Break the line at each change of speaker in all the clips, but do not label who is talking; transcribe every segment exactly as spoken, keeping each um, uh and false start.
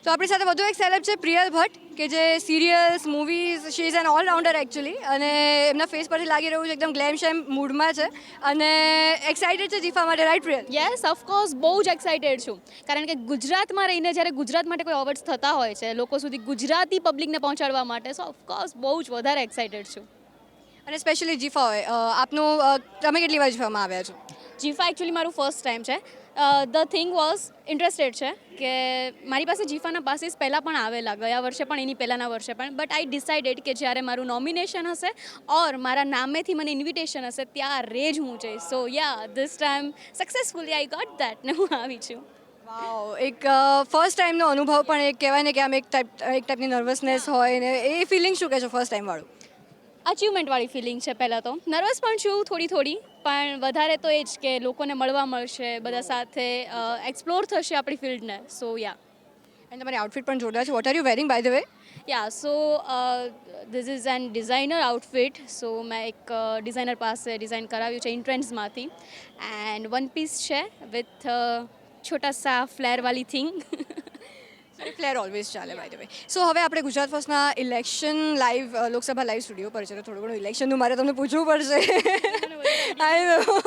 તો આપણી સાથે વધુ એક સેલેબ છે પ્રિયલ ભટ્ટ, કે જે serials, movies, she is an allrounder actually, અને એમના ફેસ પરથી લાગી રહ્યું છે એકદમ ગ્લેમ શેમ મૂડમાં છે અને એક્સાઇટેડ છે જીફા માટે, રાઈટ પ્રિયલ?
યસ ઓફકોર્સ બહુ જ એક્સાઇટેડ છું, કારણ કે ગુજરાતમાં રહીને જ્યારે ગુજરાત માટે કોઈ અવોર્ડ્સ થતા હોય છે લોકો સુધી ગુજરાતી પબ્લિકને પહોંચાડવા માટે, સો ઓફકોર્સ બહુ જ વધારે એક્સાઇટેડ છું.
અને સ્પેશિયલી જીફા હોય, અ, આપનું અ, તમે કેટલી વાર જીફામાં આવ્યા છો?
જીફા એકચ્યુઅલી મારું ફર્સ્ટ ટાઈમ છે. ધ થિંગ વોઝ ઇન્ટરેસ્ટેડ છે કે મારી પાસે જીફાના પાસીસ પહેલાં પણ આવેલા, ગયા વર્ષે પણ એની પહેલાંના વર્ષે પણ, બટ આઈ ડિસાઇડેડ કે જ્યારે મારું નોમિનેશન હશે ઓર મારા નામેથી મને ઇન્વિટેશન હશે ત્યારે જ હું જઈશ. So yeah this time successfully I got that ને હું આવી છું.
વાવ, એક ફર્સ્ટ ટાઈમનો અનુભવ પણ એક કહેવાય ને કે આમ એક ટાઈપ એક ટાઈપની નર્વસનેસ હોય ને, એ ફિલિંગ શું કહેશો ફર્સ્ટ ટાઈમ વાળું?
અચીવમેન્ટવાળી ફિલિંગ છે પહેલાં તો. નર્વસ પણ છું થોડી થોડી, પણ વધારે તો એ જ કે લોકોને મળવા મળશે, બધા સાથે એક્સપ્લોર થશે આપણી ફિલ્ડને. સો યા
અને તમારી આઉટફિટ પણ જોરદાર છે. What are you wearing by the way?
Yeah so this is an designer outfit. So મેં એક ડિઝાઇનર પાસે ડિઝાઇન કરાવ્યું છે ઇન્ટ્રેન્ડ્સમાંથી, એન્ડ વન પીસ છે વિથ છોટા સા ફ્લેરવાળી થિંગ.
ફ્લેર ઓલવેઝ ચાલે બાય ધ વે. સો હવે આપણે ગુજરાત ફર્સ્ટના election live, Lok Sabha live studio પર છે, તો થોડું ઘણું ઇલેક્શનનું મારે તમને પૂછવું પડશે. આઈ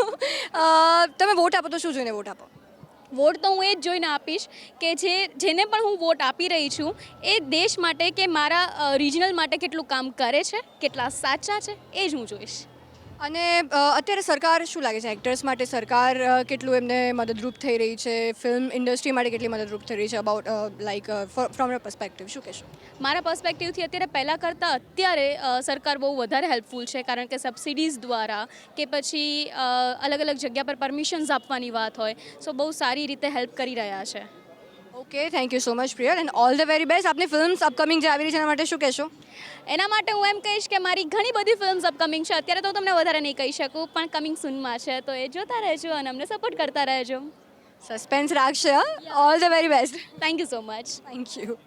નો. તમે વોટ આપો તો શું જોઈને વોટ આપો?
વોટ તો હું એ જ જોઈને આપીશ કે જે જેને પણ હું વોટ આપી રહી છું એ દેશ માટે કે મારા રિજનલ માટે કેટલું કામ કરે છે, કેટલા સાચા છે, એ જ હું જોઈશ.
અને અ, અત્યારે સરકાર શું લાગે છે એક્ટર્સ માટે સરકાર અ, કેટલું એમને મદદરૂપ થઈ રહી છે, ફિલ્મ ઇન્ડસ્ટ્રી માટે કેટલી મદદરૂપ થઈ રહી છે, about like from your perspective શું કહેશો?
મારા પર્સપેક્ટિવથી અત્યારે પહેલાં કરતાં અત્યારે અ, સરકાર બહુ વધારે હેલ્પફુલ છે, કારણ કે સબસિડીઝ દ્વારા કે પછી અ, અલગ અલગ જગ્યા પર પરમિશન્સ આપવાની વાત હોય, સો બહુ સારી રીતે હેલ્પ કરી રહ્યા છે.
Okay, thank you so much Priyal, and all the very best. આપની ફિલ્મ્સ અપકમિંગ જે આવી રહી છે એના માટે શું કહેશો?
એના માટે હું એમ કહીશ કે મારી ઘણી બધી ફિલ્મ્સ અપકમિંગ છે. અત્યારે તો હું તમને વધારે નહીં કહી શકું, પણ કમિંગ સૂનમાં છે, તો એ જોતા રહેજો અને અમને સપોર્ટ કરતા રહેજો.
સસ્પેન્સ રાખશે, હા. All the very best.
Thank you so much.
Thank you.